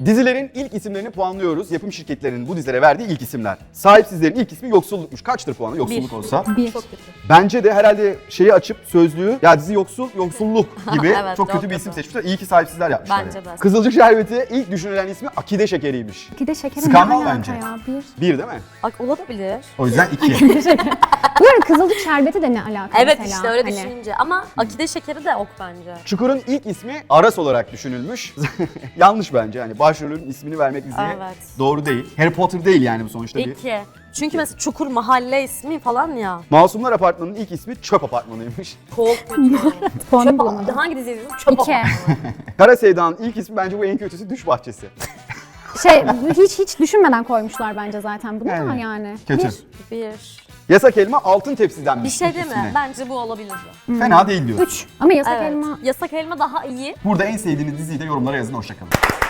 Dizilerin ilk isimlerini puanlıyoruz. Yapım şirketlerinin bu dizilere verdiği ilk isimler. Sahipsizlerin ilk ismi Yoksulluk'muş. Kaçtır puanı yoksulluk olsa? 1. Çok kötü. Bence de herhalde şeyi açıp sözlüğü ya dizi yoksulluk gibi Evet, çok kötü çok bir isim kötü. seçmişler. İyi ki sahipsizler yapmışlar. Bence yani. de. Kızılcık Şerbeti ilk düşünülen ismi Akide Şekeri'ymiş. Akide şekeri ne Skandal alaka bence. ya? 1. Bir değil mi? Bak olabilir. O yüzden 2. Bu arada kızılcık şerbeti de ne alaka Evet mesela? işte öyle Hani düşününce ama akide şekeri de ok bence. Çukur'un ilk ismi Aras olarak düşünülmüş. Yanlış bence. Yani başrolün ismini vermek diziye Evet. doğru değil. Harry Potter değil yani bu sonuçta bir. 2. Çünkü mesela Çukur mahalle ismi falan ya. Masumlar Apartmanı'nın ilk ismi Çöp Apartmanı'ymış. Çok kötü. puanı Çöp bulamadım. Hangi dizi izledin? Çöp 2. Kara Sevda'nın ilk ismi bence bu en kötüsü Düş Bahçesi. Hiç düşünmeden koymuşlar bence zaten bunu da Yani. yani. Kötü. 1. Yasak Elma Altın Tepsi'den Bir şey değil mi? Bence bu olabilirdi. Fena değil diyor. 3. Ama yasak Evet. elma Yasak elma daha iyi. Burada en sevdiğiniz diziyi de yorumlara yazın. Hoşçakalın.